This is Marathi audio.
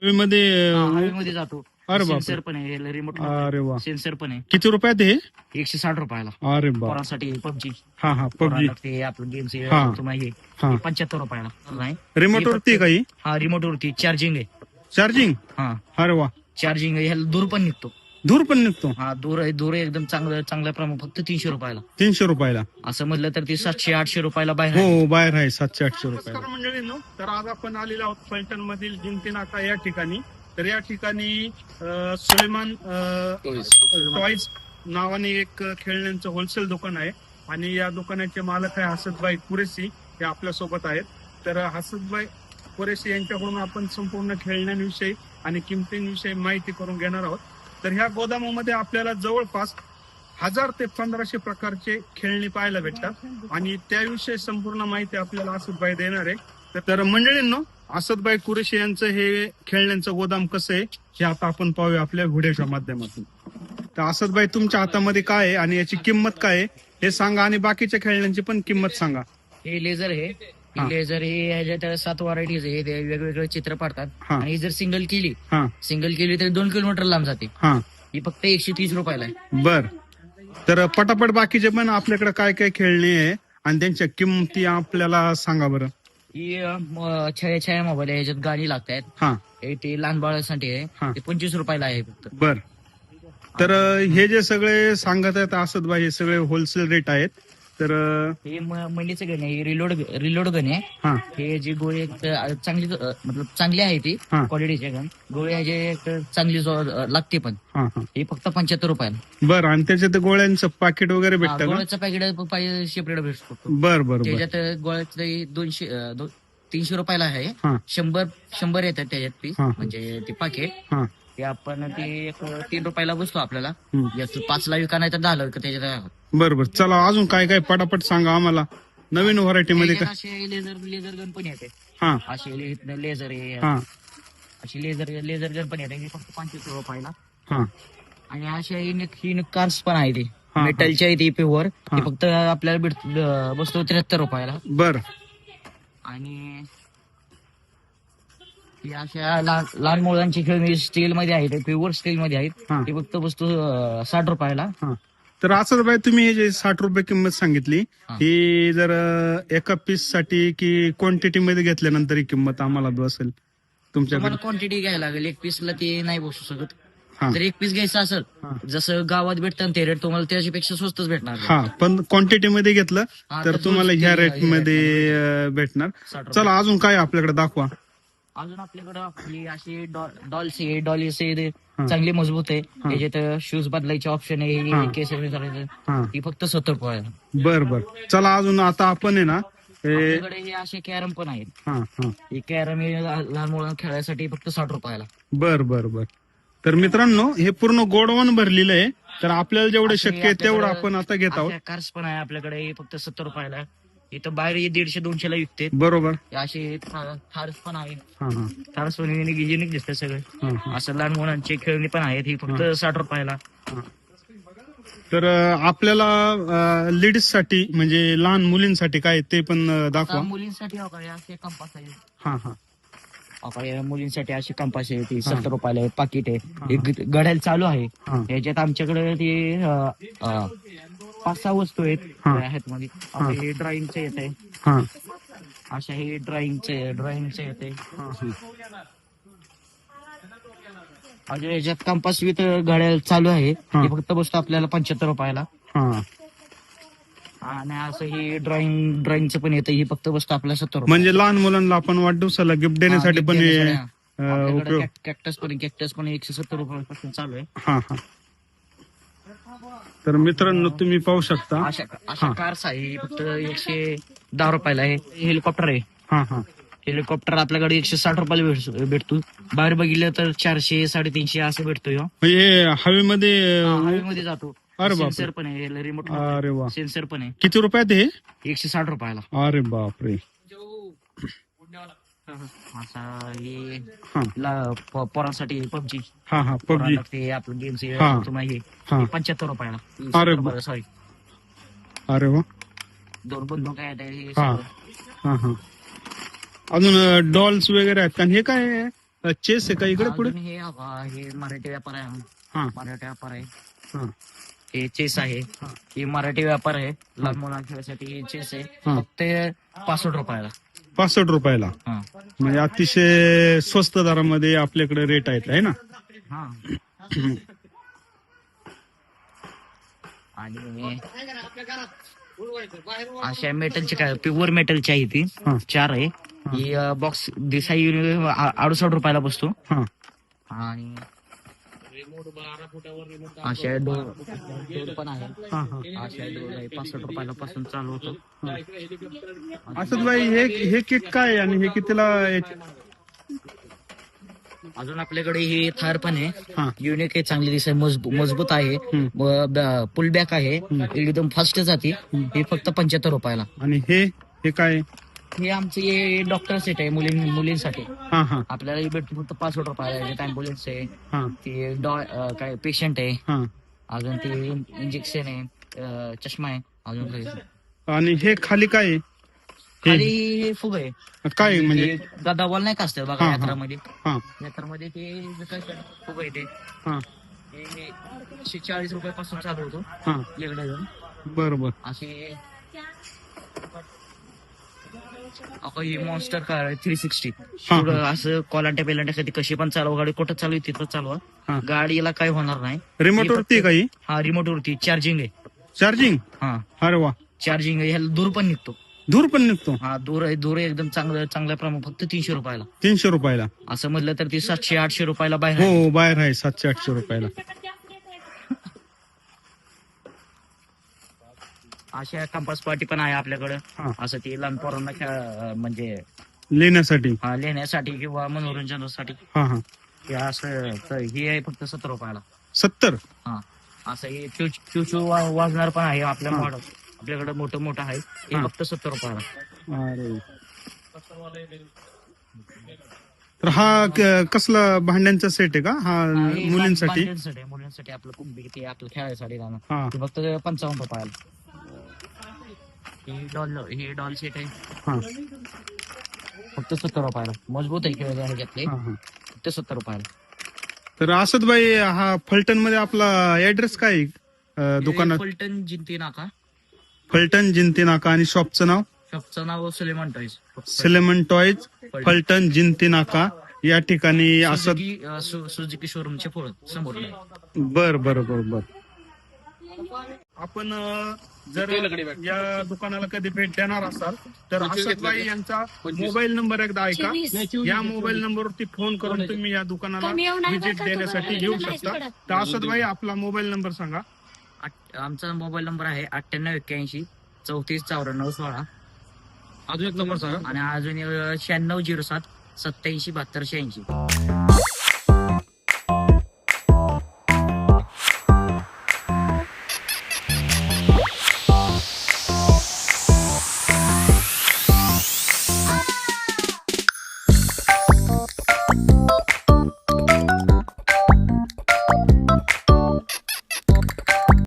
मध्ये हवेमध्ये जातो. अरे बापरे. सेन्सर पण आहे रिमोट, अरे वा. सेन्सर पण आहे. किती रुपयात हे? 160 रुपयाला. अरे बाप. पोरांसाठी पबजी, हा हा पबजी ते आपलं गेम्स हा. तुम्हाला हा 75 रुपयाला नाही. रिमोट वरती काही हा रिमोट वरती चार्जिंग आहे. चार्जिंग? हा अरे वा. चार्जिंग आहे. ह्याला दूर पण निघतो. दूर पण निघतो? हा दूर एकदम चांगल्या प्रमाण फक्त 300 रुपयाला. 300 रुपयाला असं म्हटलं तर ते 700-800 रुपयाला बाहेर आहे. हो बाहेर आहे 700-800 रुपयाला. मंडळींनो, तर आज आपण आलेलो आहोत फलटण मधील जिंती नाका या ठिकाणी. तर या ठिकाणी सुलेमान टॉईज नावाने एक खेळण्यांचं होलसेल दुकान आहे आणि या दुकानाचे मालक आहे हसतभाई कुरेशी, हे आपल्या सोबत आहेत. तर हसतभाई कुरेशी यांच्याकडून आपण संपूर्ण खेळण्यांविषयी आणि किमतींविषयी माहिती करून घेणार आहोत. तर ह्या गोदामामध्ये आपल्याला जवळपास 1000 ते 1500 प्रकारचे खेळणी पाहायला भेटतात आणि त्याविषयी संपूर्ण माहिती आपल्याला असदभाई देणार आहे. तर मंडळींनो, असदभाई कुरेशी यांचं हे खेळण्यांचं गोदाम कसं आहे हे आता आपण पाहूया आपल्या व्हिडिओच्या माध्यमातून. तर असदभाई, तुमच्या हातामध्ये काय आहे आणि याची किंमत काय आहे हे सांगा आणि बाकीच्या खेळण्यांची पण किंमत सांगा. हे लेझर आहे. लेझर हे ह्याच्यात 7 व्हरायटीज आहे. ते वेगवेगळे चित्र पाडतात आणि जर सिंगल केली तर 2 किलोमीटर लांब जाते. ही फक्त 130 रुपयाला आहे. बर. तर पटापट बाकीचे पण आपल्याकडे काय काय खेळणे आहे आणि त्यांच्या किंमती आपल्याला सांगा बरं. ही छाया मोबाईल आहे. ह्याच्यात गाणी लागतात. ते लहान बाळासाठी आहे. ते 25 रुपयाला आहे फक्त. बर. तर हे जे सगळे सांगत आहेत असदभाई, हे सगळे होलसेल रेट आहेत. तर हे मंडीचं गण आहे. रिलोड गण आहे. हे जी गोळी चांगली मतलब चांगली आहे ती क्वालिटीचे गण. गोळी ह्याचे चांगली लागते पण. हे फक्त 75 रुपयाला. बरं. आणि त्याच्यात गोळ्यांचं पाकिट वगैरे भेटतं? गोळ्याचं पॅकेट सेपरेट भेटतो. बरं बरं. त्याच्यात गोळ्याचं 300 रुपयाला आहे. 100 येतात त्याच्यात पीस, म्हणजे ते पाकिट. ते आपण ते 3 रुपयाला बसतो आपल्याला. 5ला विका नाही तर 10ला विका त्याच्यात. बरोबर. चला अजून काय काय पटापट सांगा आम्हाला नवीन व्हरायटी मध्ये. असे लेझर गन पण येते. असे लेझर आहे. अशी लेझर गन पण येते. फक्त 25 रुपयाला. आणि अशा ही कार्स पण आहे. ती मेटलच्या आहे. ती प्युअर. ती फक्त आपल्याला बसतो 73 रुपयाला. बर. आणि अशा लहान मुलांची खेळणी स्टील मध्ये आहेत. प्युअर स्टील मध्ये आहेत. ती फक्त वस्तू 60 रुपयाला. तर असं बाई, तुम्ही हे जे 60 रुपये किंमत सांगितली, ही जर एका पीस साठी की क्वांटिटी मध्ये घेतल्यानंतर ही किंमत आम्हाला बसेल तुमच्याकडे? क्वांटिटी घ्यायला लागेल. एक पीसला ते नाही बसू शकत. जर एक पीस घ्यायचं असेल, जसं गावात भेटतं ते रेट, तुम्हाला त्याच्यापेक्षा स्वस्तच भेटणार. पण क्वांटिटी मध्ये घेतलं तर तुम्हाला ह्या रेट मध्ये भेटणार. चला अजून काय आपल्याकडे दाखवा. अजून आपल्याकडे आपली अशी डॉल्स आहे. डॉल्स चांगली मजबूत आहे. त्याच्यात शूज बदलायचे ऑप्शन आहे. केस करायचं. ही फक्त 70 रुपयाला. बर बर. चला अजून आता आपण आहे ना, आपल्याकडे हे असे कॅरम पण आहेत. हे कॅरम हे लहान मुलांना खेळायसाठी फक्त 60 रुपयाला. बर बर बर. तर मित्रांनो, हे पूर्ण गोडवण भरलेलं आहे. तर आपल्याला जेवढं शक्य आहे तेवढं आपण आता घेत आहोत. कार्स पण आहे आपल्याकडे. हे फक्त 70 रुपयाला. इथं बाहेर 150-200 ला विकते. बरोबर. असे थार्स पण आहे. थार्स पण युनिक दिसते सगळे. असं लहान मुलांचे खेळणी पण आहेत. ही फक्त 60 रुपयाला. तर आपल्याला लेडीज साठी म्हणजे लहान मुलींसाठी काय ते पण दाखवा. मुलींसाठी असे कंपास आहे. मुलींसाठी अशी कंपास आहे. ती 70 रुपयाला आहे. पाकिट आहे. घड्याळ चालू आहे. याच्यात आमच्याकडे ते 5-6 वस्तू आहेत मध्ये. हे ड्रॉइंगचं येत आहे. अशा हे ड्रॉइंगचं येते. याच्यात कंपास विथ घड्याळ चालू आहे. हे फक्त बसतो आपल्याला 75 रुपयाला. आणि असं हे ड्रॉइंगचं पण येतं. हे फक्त बसतं आपल्याला 70 रुपये. म्हणजे लहान मुलांना आपण वाढदिवसाला गिफ्ट देण्यासाठी पण कॅक्टस पण 170 रुपयापासून चालू आहे. तर मित्रांनो, तुम्ही पाहू शकता अशा कार्स आहे. फक्त 110 रुपयाला आहे. हेलिकॉप्टर आहे. हेलिकॉप्टर आपल्याकडे 160 रुपयाला भेटतो. बाहेर बघितलं तर 400-350 असं भेटतो. हे हवेमध्ये जातो. अरे बाप. सेन्सर पण आहे. रिमोट. अरे वा. सेन्सर पण आहे. किती रुपयात हे? 160 रुपयाला. अरे बापरे. असा हे पोरांसाठी पबजी. पबजी ते आपलं गेम्स तुम्हाला 75 रुपयाला. अरे सॉरी. अरे वा. 2 बंदूक आहेत. अजून डॉल्स वगैरे आहेत का? हे काय चेस आहे का इकडे पुढे? अजून हे मराठी व्यापार आहे. हा मराठी व्यापार आहे. हा हे चेस आहे. हे मराठी व्यापार आहे. लहान मुलांसाठी हे चेस आहे. फक्त 65 रुपयाला. 65 रुपयाला. हा म्हणजे अतिशय स्वस्त दरामध्ये आपल्याकडे रेट आहेत आहे ना. हा आणि अशा मेटलची काय प्युअर मेटलची आहे ती. हा. 4 आहे. ही बॉक्स दिसाई 68 रुपयाला बसतो. हा आणि अशा डोर पण आहे. हा हा. अशा डोर आहे 65 रुपयाला पासून चालू होतो. असं भाई हे किट काय आहे आणि हे कितीला अजून आपल्याकडे हे थार पण आहे. हा युनिक आहे, चांगली दिसाय, मजबूत आहे. पुल बॅक आहे, एकदम फास्ट जाते. हे फक्त 75 रुपयाला. आणि हे काय आहे? हे आमचे डॉक्टर सेट आहे मुलींसाठी. हा हा आपल्याला हे भेटतो फक्त 65 रुपयाला. एक अँब्युलन्स आहे, हा ते काय पेशंट आहे, हा. अजून ते इंजेक्शन आहे, चष्मा आहे, अजून काही. आणि हे खाली काय आहे? खाली हे फुग आहे. काय आहे म्हणजे? गदा बॉल नाही का असतं हा, बघा हा. यात्रामध्ये. हा यात्रामध्ये ते काय फुग आहे ते. हा हे 140 रुपयापासून चालू होतो. हा इकडे जाऊन बरोबर. असे ही मॉन्स्टर कार 360. हा. पुढं असं कोलांट्या पेलांट्यासाठी कशी पण चालवा, गाडी कुठं चालू आहे तिथं हा. चालवा, गाडीला काही होणार नाही. रिमोट वरती आहे काही? हा रिमोट वरती चार्जिंग आहे. चार्जिंग? हा अरे वा. चार्जिंग आहे. ह्याला दूर पण निघतो. दूर पण निघतो? हा दूर आहे एकदम चांगल्या प्रमाणात. फक्त 300 रुपयाला. 300 रुपयाला? असं म्हटलं तर ती 700-800 रुपयाला बाहेर हो आहे. बाहेर आहे 700-800 रुपयाला. अशा कंपास पार्टी पण आहे आपल्याकडे. हा. असं ती लहान पोरांना म्हणजे लेण्यासाठी? लिहिण्यासाठी किंवा मनोरंजनासाठी. हा हा. हे असं हे आहे फक्त 70 रुपयाला. 70? हा असं हे चुचू वाजणार पण आहे आपल्या हा. मॉडेल. आपल्याकडे मोठं आहे. हे हा. फक्त 70 रुपयाला. अरे. तर हा कसला भांड्यांचा सेट आहे का हा? हे मुलींसाठी? मुलींसाठी आपलं कुंभी ते आपलं खेळायसाठी गाणं. हा ते फक्त 55 रुपयाला. हे डॉल सेट आहे हा फक्त 70 रुपयाला. मजबूत आहे खेळ ह्याच्यातले. हा हा. फक्त 70 रुपयाला. तर असद भाई हा फलटण मध्ये आपला ऍड्रेस काय आहे दुकानात? फलटण जिंती नाका. फलटण जिंती नाका. आणि शॉपचं नाव? शॉपचं नाव सुलेमान टॉईज. सिलेमन टॉयज, फलटण जिंती नाका या ठिकाणी असद. सुझुकी शोरूमचे पुढे समोर. बर बर बर बर. आपण जर या दुकानाला कधी भेट देणार असाल तर असदभाई यांचा मोबाईल नंबर एकदा ऐका. या मोबाईल नंबरवरती फोन करून तुम्ही या दुकानाला व्हिजिट देण्यासाठी येऊ शकता. तर असदभाई आपला मोबाईल नंबर सांगा. आमचा मोबाईल नंबर आहे 9881 34 94 16. अजून एक नंबर सांगा. आणि अजून 9607 87 72 86.